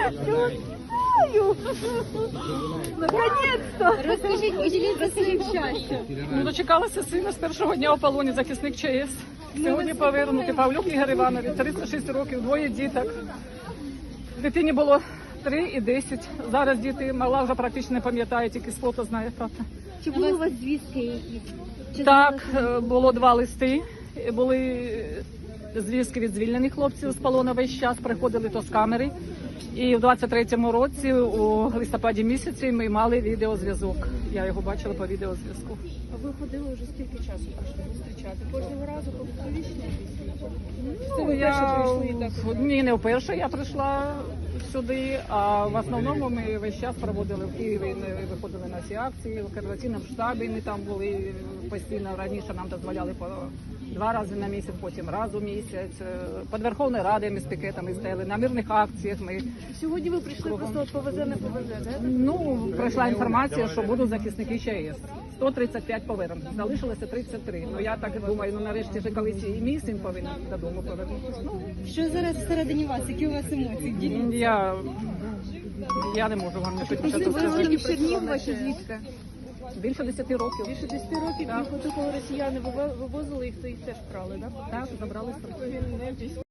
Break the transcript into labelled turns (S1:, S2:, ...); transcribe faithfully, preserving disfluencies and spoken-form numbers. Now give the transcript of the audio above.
S1: знаю. Наконец-то.
S2: Розкажіть, поділіться своїм щастям.
S3: Ну, дочекалася сина з першого дня у полоні, захисник ЧАЕС. Сьогодні повернути Павлюк Ігор Іванович, тридцять шість років, двоє діток. Дитині було три і десять. Зараз діти, мала вже практично не пам'ятає, тільки з фото знає, правда.
S2: Чи були у вас звістки якісь? Чи
S3: Так,
S2: знали,
S3: е, було два листи, були звістки від звільнених хлопців з полону весь час, приходили то з камери. І в двадцять третьому році, у листопаді місяці, ми мали відеозв'язок. Я його бачила по відеозв'язку.
S1: А ви ходили вже скільки часу прийшли зустрічати? Кожного разу по публічній
S3: Ну,
S1: ви
S3: я...
S1: вперше прийшли і так?
S3: Ні, не вперше я прийшла сюди, а в основному ми весь час проводили в Києві, ми виходили на всі акції, в координаційному штабі ми там були постійно, раніше нам дозволяли по два рази на місяць, потім раз у місяць. Під Верховною Радою ми з пікетами стояли, на мирних акціях ми.
S1: Сьогодні ви прийшли просто от повезе, не повезе, так?
S3: Ну, прийшла інформація, що будуть захисники ЧАЕС. сто тридцять п'ять повернень, залишилося тридцять три. Ну я так думаю, ну нарешті ж колись і мій син повинен додому повернутися. Ну,
S2: що зараз всередині вас? Які у вас емоції? Діліться.
S3: я, я не можу вам нічого
S1: Ви
S3: сказати.
S1: вивезені в Чернігова чи звідки?
S3: Більше десяти років.
S1: Більше десяти років,
S3: Так.
S1: і коли росіяни вивозили їх, то їх теж брали, так?
S3: Так, забрали з собою.